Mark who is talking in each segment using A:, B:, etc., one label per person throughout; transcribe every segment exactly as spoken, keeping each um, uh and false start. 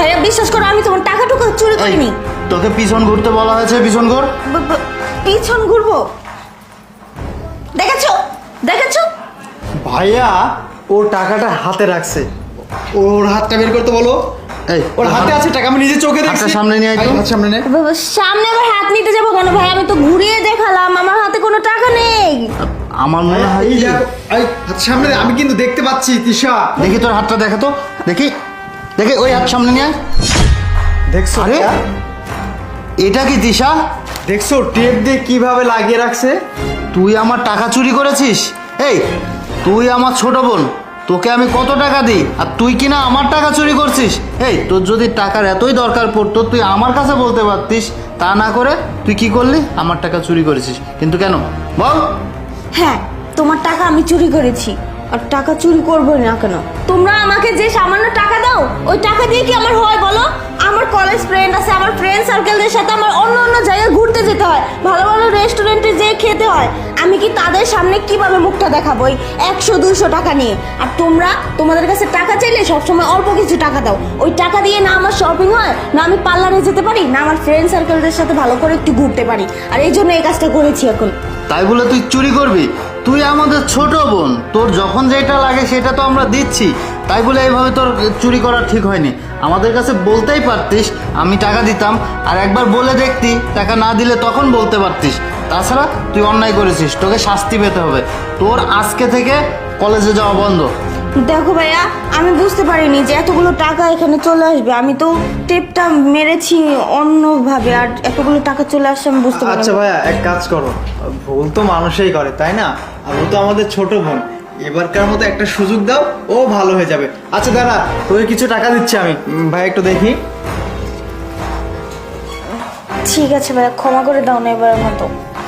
A: ভাইয়া বিশ্বাস করো আমি তোমার টাকা টুকু চুরি করিনি।
B: তোকে পিছন ঘুরতে বলা হয়েছে, পিছন ঘুর।
A: ব- ব- পিছন ঘুরবো? দেখেছো দেখেছো?
C: ভাইয়া ওর টাকাটা হাতে রাখছে, ওর হাতটা বের করতে বলো।
B: এই
C: ওর হাতে আছে টাকা, আমি নিজে চোখে দেখছি।
B: হাতটা সামনে নিয়ে আয় তো।
C: হাত সামনে নে।
A: ব- ব- সামনে আবার হাত নিতে যাবো কেন ভাই? আমি তো ঘুরিয়ে দেখালাম, আমার হাতে কোনো টাকা নেই।
B: আমার মনে হয়
C: এই
B: কি-
C: দেখো, এই হাত সামনে নে, আমি কিন্তু দেখতে পাচ্ছি তিশা।
B: দেখি তোর হাতটা দেখা তো, দেখি দেখি ওই হাত সামনে নিয়ে আয়।
C: দেখছো?
B: আরে
C: ভাইয়া?
B: এটা কি দিশা?
C: দেখছো টেপ দিয়ে কিভাবে লাগিয়ে রাখছে?
B: তুই আমার টাকা চুরি করেছিস? এই তুই আমার ছোট বোন, তোকে আমি কত টাকা দিই আর তুই কিনা আমার টাকা চুরি করছিস? এই তোর যদি টাকার এতই দরকার পড়তো তুই আমার কাছে বলতে পারতিস, তা না করে তুই কি করলি? আমার টাকা চুরি করেছিস কিন্তু কেন বল?
A: হ্যাঁ, তোমার টাকা আমি চুরি করেছি, আর টাকা চুরি করবো না কেন? তোমরা আমাকে যে সামান্য টাকা দাও, ওই টাকা দিয়ে কি আমার হয় বলো? আমার কলেজ ফ্রেন্ড আছে, আমার ফ্রেন্ড সার্কেলদের সাথে আমার অন্য অন্য জায়গায় ঘুরতে যেতে হয়, ভালো ভালো রেস্টুরেন্টে যেয়ে খেতে হয়। আমি কি তাদের সামনে কিভাবে মুখটা দেখাবো ওই একশো দুশো টাকা নিয়ে? আর তোমরা তোমাদের কাছে টাকা চাইলে সবসময় অল্প কিছু টাকা দাও। ওই টাকা দিয়ে না আমার শপিং হয়, না আমি পার্লারে যেতে পারি, না আমার ফ্রেন্ড সার্কেলদের সাথে ভালো করে একটু ঘুরতে পারি। আর এই জন্য এই কাজটা করেছি এখন।
B: তাই বলে তুই চুরি করবি? তুই আমাদের ছোট বোন, তোর যখন যেটা লাগে সেটা তো আমরা দিচ্ছি, তাই বলে এইভাবে তোর চুরি করা ঠিক হয়নি। আমাদের কাছে বলতেই পারতিস, আমি টাকা দিতাম, আর একবার বলে দেখতি, টাকা না দিলে তখন বলতে পারতিস। তাছাড়া তুই অন্যায় করেছিস, তোকে শাস্তি পেতে হবে। তোর আজকে থেকে কলেজে যাওয়া বন্ধ।
A: দেখো ভাইয়া, আমি বুঝতে পারিনি যে এতগুলো টাকা এখানে চলে আসবে। আমি তো টেপটা মেরেছি অন্যভাবে, আর এতগুলো টাকা চলে আসছে আমি বুঝতে পারিনি।
C: আচ্ছা ভাইয়া, এক কাজ করো, ভুল তো মানুষই করে তাই না? আর ও তো আমাদের ছোট বোন, এবারকার মতো একটা সুযোগ দাও, ও ভালো হয়ে যাবে। আচ্ছা দাদা, তোকে কিছু টাকা দিচ্ছি আমি। উম, ভাই একটু দেখি।
A: ঠিক আছে ভাইয়া, ক্ষমা করে দাও না এবারের মতো।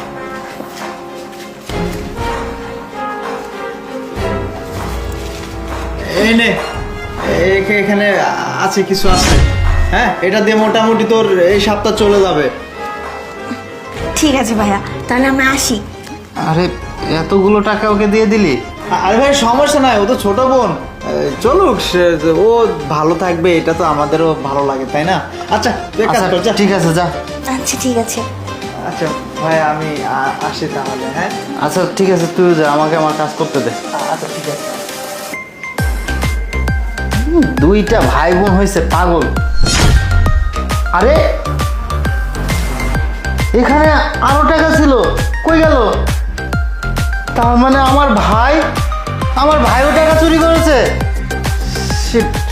C: এই নে, এ- এখানে আছে কিছু আছে। হ্যাঁ, এটা দিয়ে মোটামুটি তোর এই সপ্তাহ চলে যাবে।
A: ঠিক আছে ভাইয়া, তাহলে আমি আসি।
B: আরে এতগুলো টাকা ওকে দিয়ে দিলি?
C: আরে ভাই সমস্যা নাই, ও তো ছোট বোন, এ, চলুক, সে- ও ভালো থাকবে, এটা তো আমাদেরও ভালো লাগে তাই না? আচ্ছা তুই এক কাজ
B: আচ্ছা
C: কর, যা।
B: ঠিক আছে, যা।
A: আচ্ছা ঠিক আছে।
C: আচ্ছা ভাই, আমি আ- আসি তাহলে। হ্যাঁ,
B: আচ্ছা ঠিক আছে, তুই যা, আমাকে আমার কাজ করতে দে।
C: আচ্ছা ঠিক আছে।
B: দুইটা ভাই বোন হয়েছে পাগল। আরে এখানে আরো টাকা ছিল, কই গেল? তার মানে আমার ভাই, আমার ভাইও টাকা চুরি করেছে। Shit!